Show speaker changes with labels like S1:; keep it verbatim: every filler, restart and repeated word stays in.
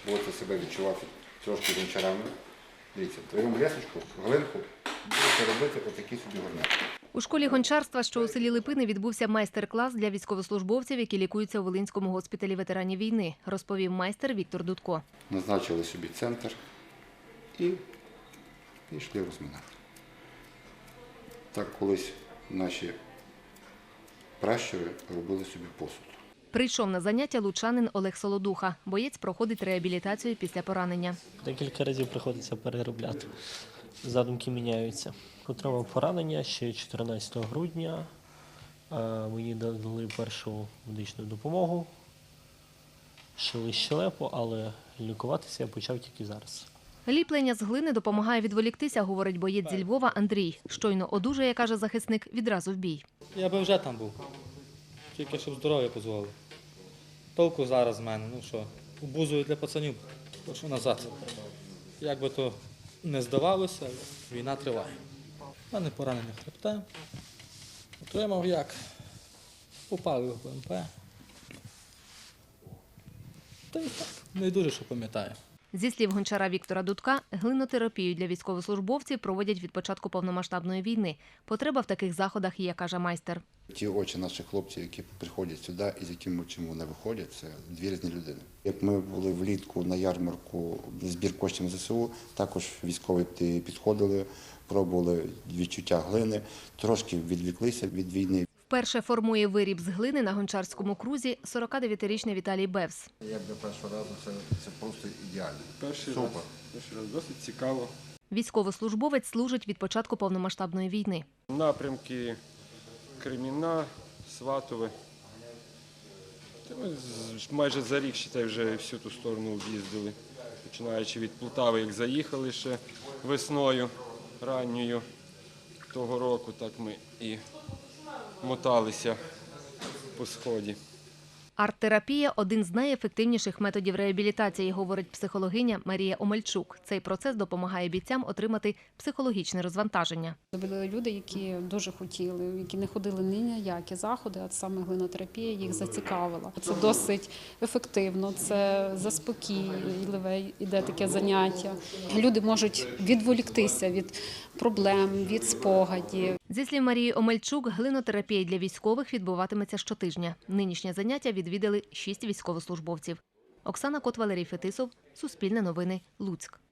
S1: будете себе відчувати трошки гончарами. Дивіться, твою лесочку, глинку, будете робити отакі собі горняки.
S2: У школі гончарства, що у селі Липини, відбувся майстер-клас для військовослужбовців, які лікуються у Волинському госпіталі ветеранів війни, розповів майстер Віктор Дудко.
S1: Назначили собі центр і йшли розминати. Так колись наші пращури робили собі посуд.
S2: Прийшов на заняття лучанин Олег Солодуха. Боєць проходить реабілітацію після поранення.
S3: Декілька разів приходиться переробляти. Задумки міняються. Отримав поранення ще чотирнадцятого грудня. Мені дали першу медичну допомогу. Шили щелепу, але лікуватися я почав тільки зараз.
S2: Ліплення з глини допомагає відволіктися, говорить боєць зі Львова Андрій. Щойно одужає, каже захисник, відразу в бій.
S4: Я би вже там був, тільки щоб здоров'я дозволило. Толку зараз з мене, ну що, обузую для пацанів, прошу назад. Як би то не здавалося, війна триває. У мене поранення хребта. Отримав як? Попали в БМП. Та й так, не дуже, що пам'ятаю.
S2: Зі слів гончара Віктора Дудка, глинотерапію для військовослужбовців проводять від початку повномасштабної війни. Потреба в таких заходах є, каже майстер.
S1: Ті очі наших хлопців, які приходять сюди і з яким чим вони виходять, це дві різні людини. Як ми були влітку на ярмарку збір коштів зе ес у, також військові підходили, пробували відчуття глини, трошки відвіклися від війни.
S2: Вперше формує виріб з глини на гончарському крузі сорокадев'ятирічний Віталій Бевс.
S1: Як для першого разу це, це просто ідеально.
S5: Перший
S1: Супер.
S5: раз, перший раз досить цікаво.
S2: Військовослужбовець служить від початку повномасштабної війни.
S5: Напрямки Кремінна, Сватове. Та ми з- майже за рік, считай, вже всю ту сторону об'їздили. Починаючи від Полтави, як заїхали ще весною ранньою того року, так ми і моталися по сході.
S2: Арт-терапія – один з найефективніших методів реабілітації, говорить психологиня Марія Омельчук. Цей процес допомагає бійцям отримати психологічне розвантаження.
S6: Були люди, які дуже хотіли, які не ходили ні на які заходи, а саме глинотерапія їх зацікавила. Це досить ефективно, це заспокійливе, іде таке заняття. Люди можуть відволіктися від проблем, від спогадів.
S2: Зі слів Марії Омельчук, глинотерапія для військових відбуватиметься щотижня. Нинішнє заняття відвідали шість військовослужбовців. Оксана Кот, Валерій Фетисов, Суспільне новини, Луцьк.